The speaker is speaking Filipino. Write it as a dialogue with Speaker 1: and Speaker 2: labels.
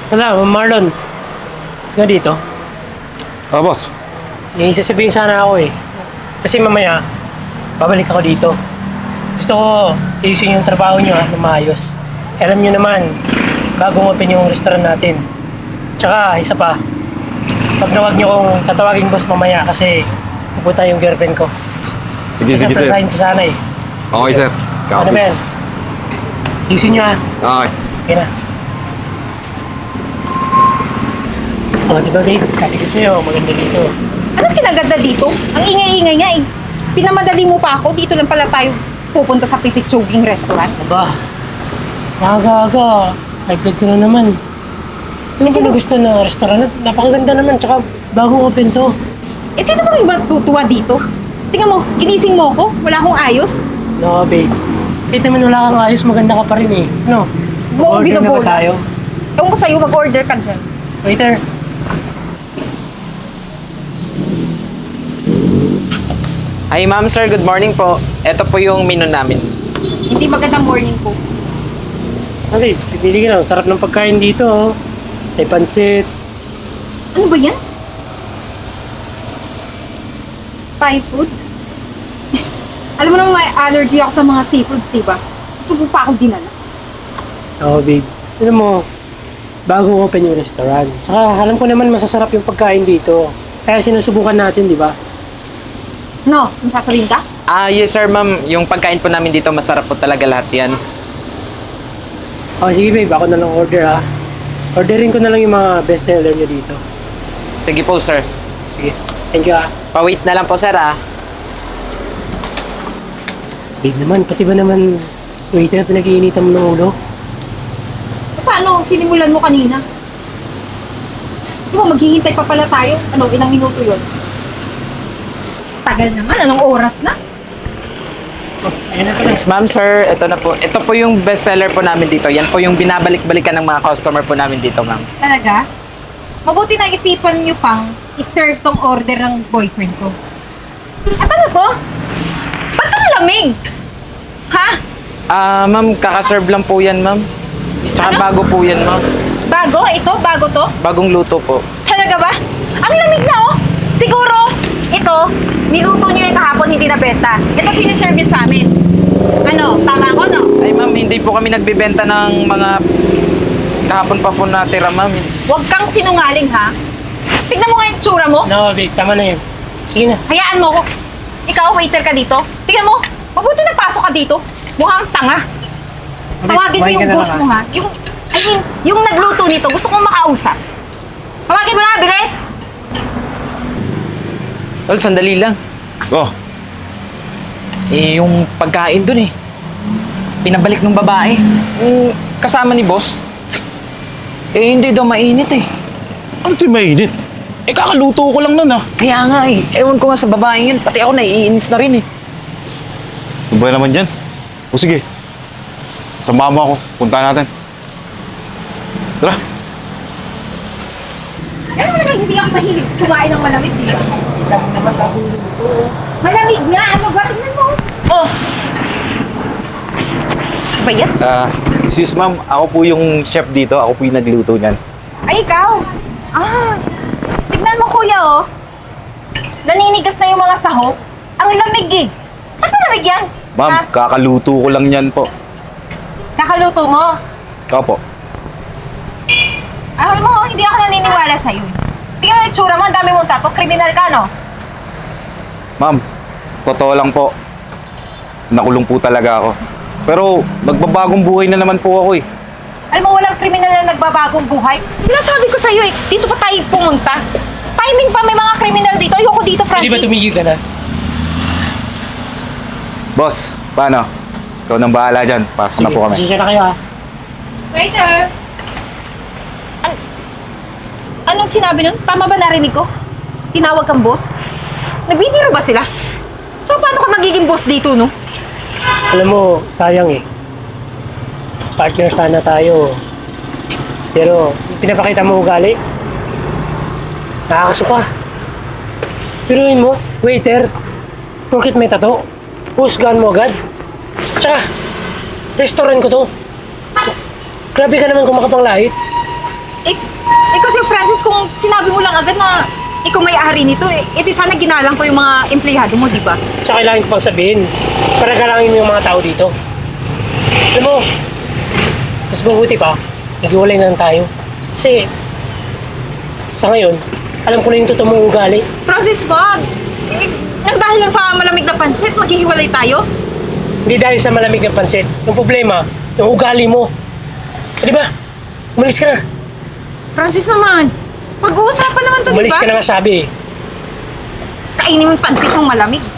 Speaker 1: Wala, Marlon. Nga dito.
Speaker 2: Boss.
Speaker 1: May sasabihin sana ako eh. Kasi mamaya, babalik ako dito. Gusto ko ayusin yung trabaho nyo na maayos. Alam nyo naman, bagong open yung restaurant natin. Tsaka, isa pa, pag nawag nyo kong tatawagin boss mamaya kasi pupunta yung girlfriend ko.
Speaker 2: Sige, sige, sir.
Speaker 1: Surprisein ko sana eh.
Speaker 2: Okay, sir.
Speaker 1: Ano ba yan? Ayusin nyo ha.
Speaker 2: Okay.
Speaker 1: Okay na. Oh, di ba babe? Sabi ko sa'yo, maganda dito.
Speaker 3: Anong kinaganda dito? Ang ingay-ingay nga eh. Pinamadali mo pa ako, dito lang pala tayo pupunta sa Pipitsuging restaurant.
Speaker 1: Aba, aga-aga. High blood ko na naman. Yung
Speaker 3: sino-
Speaker 1: gusto na restaurant, napakaganda naman, tsaka bagong open to.
Speaker 3: Eh sino bang iba tutuwa dito? Tingnan mo, ginising mo ako, wala akong ayos.
Speaker 1: No, babe. Kahit naman wala kang ayos, maganda ka pa rin eh. No?
Speaker 3: Buong
Speaker 1: Order na ba
Speaker 3: binabola.
Speaker 1: tayo?
Speaker 3: Ewan ko sa'yo, mag-order ka dyan.
Speaker 1: Waiter.
Speaker 4: Hi ma'am, sir. Good morning po. Ito po yung menu namin.
Speaker 3: Hindi magandang morning ko.
Speaker 1: Ah, babe, pipili ka na. Sarap ng pagkain dito, oh. May pansit.
Speaker 3: Ano ba yan? Thai food? Alam mo naman may allergy ako sa mga seafoods, diba? Ito mo pa ako dinala.
Speaker 1: Oo, babe. Alam mo, bagong open yung restaurant. Tsaka alam ko naman masasarap yung pagkain dito. Kaya sinusubukan natin, di ba?
Speaker 3: No, may sasabihin ka?
Speaker 4: Yes sir ma'am. Yung pagkain po namin dito, masarap po talaga lahat yan.
Speaker 1: Oh, sige babe, ako na lang order ha. Orderin ko na lang yung mga bestseller nyo dito.
Speaker 4: Sige po sir.
Speaker 1: Sige, thank you ha.
Speaker 4: Pa-wait na lang po sir ah.
Speaker 1: Babe naman, pati ba naman waiter pinag-iinitan mo ng ulo?
Speaker 3: Paano? Sinimulan mo kanina. Di ba, maghihintay pa pala tayo? Ano, ilang minuto yun? Tagal naman, anong oras na?
Speaker 1: Oh, ayun na pala.
Speaker 4: Yes ma'am sir, ito na po. Ito po yung bestseller po namin dito. Yan po yung binabalik-balikan ng mga customer po namin dito ma'am.
Speaker 3: Talaga? Mabuti na isipan niyo pang iserve tong order ng boyfriend ko. At ano to? Ba't ang lamig? Ha?
Speaker 4: Ma'am, kakaserve lang po yan ma'am. Tsaka
Speaker 3: Ano?
Speaker 4: bago po yan ma'am.
Speaker 3: Bago? Ito? Bago to?
Speaker 4: Bagong luto po.
Speaker 3: Talaga ba? Ang lamig na oh! Siguro, ito, niluto niyo yung kahapon, hindi nabenta. Ito siniserve niyo sa amin. Ano, tama ako, no?
Speaker 4: Ay ma'am, hindi po kami nagbebenta ng mga kahapon pa po natira ma'am.
Speaker 3: Huwag kang sinungaling, ha? Tignan mo nga yung tsura mo.
Speaker 1: No, babe, tama na yun. Sige na.
Speaker 3: Hayaan mo ko. Ikaw, waiter ka dito. Tignan mo, mabuti nagpasok ka dito. Mukhang tanga. Tawagin mo
Speaker 1: kumain ka
Speaker 3: yung
Speaker 1: na
Speaker 3: boss
Speaker 1: lang,
Speaker 3: mo, ha? Yung nagluto nito, gusto kong makausap. Tawagin mo na, bilis!
Speaker 4: Well, sandali lang.
Speaker 2: Oh,
Speaker 4: Yung pagkain dun eh. Pinabalik ng babae. Kasama ni boss. Hindi daw mainit eh.
Speaker 2: ano ito yung mainit? Kakaluto ko lang nun
Speaker 4: Kaya nga eh. Ewan ko nga sa babae yun. Pati ako naiinis na rin eh.
Speaker 2: Ano ba naman yan? O sige. Samahan mo ako. Punta natin. Tara.
Speaker 3: Alam mo naman, hindi ako mahilig kumain ng malamig, di ba? Malamig nga! Ano ba? Tignan mo! Oh! Ano ba yan?
Speaker 2: Sis ma'am, ako po yung chef dito. Ako po yung nagluto niyan.
Speaker 3: Ay, ikaw! Tignan mo, kuya, oh. Naninigas na yung mga sahog. Ang lamig, eh. Ba't malamig yan?
Speaker 2: Ma'am,
Speaker 3: Ha?
Speaker 2: kakaluto ko lang yan po.
Speaker 3: Kakaluto mo?
Speaker 2: Opo.
Speaker 3: Alam mo, hindi ako naniniwala sa'yo. Tingnan mo yung tsura mo, ang dami mong tato. Kriminal ka, no?
Speaker 2: Ma'am, totoo lang po. Nakulong po talaga ako. Pero magbabagong buhay na naman po ako eh.
Speaker 3: Alam mo, walang kriminal na nagbabagong buhay. Sinasabi ko sa'yo, eh. Dito pa tayo pumunta. Timing pa, may mga kriminal dito. Ayoko dito,
Speaker 1: Di ba
Speaker 3: Francis.
Speaker 1: tumigil ka na?
Speaker 2: Boss, paano? Ikaw nang bahala dyan. Pasok na po kami.
Speaker 1: Sige na kayo ha.
Speaker 3: Waiter! Anong sinabi nun? Tama ba narinig ko? Tinawag kang boss? Nagbibiro ba sila? So, paano ka magiging boss dito, no?
Speaker 1: Alam mo, sayang eh. Partner sana tayo. Pero, pinapakita mo ugali. Nakakasuka. Piruin mo, waiter. Porkit may tato, husgahan mo agad. Tsaka, restaurant ko to. Grabe ka naman kung makapanglait.
Speaker 3: Kasi Francis, kung sinabi mo lang agad na ikaw may-ari nito, di sana ginalang ko yung mga empleyado mo, di ba?
Speaker 1: Tsaka kailangan ko pang sabihin para galangin mo yung mga tao dito. Alam mo, mas mabuti pa, maghiwalay na lang tayo. Kasi, sa ngayon, alam ko na yung totoo mong ugali.
Speaker 3: Francis, wag! Nang dahil lang sa malamig na pansit, maghihiwalay tayo?
Speaker 1: Hindi dahil sa malamig na pansit. Yung problema, yung ugali mo. Di ba? Umalis ka na.
Speaker 3: Francis naman, pag-uusapan naman to, di
Speaker 1: Umalis
Speaker 3: ba?
Speaker 1: ka na nga sabi eh.
Speaker 3: Kainin mo yung pansit mong malamig.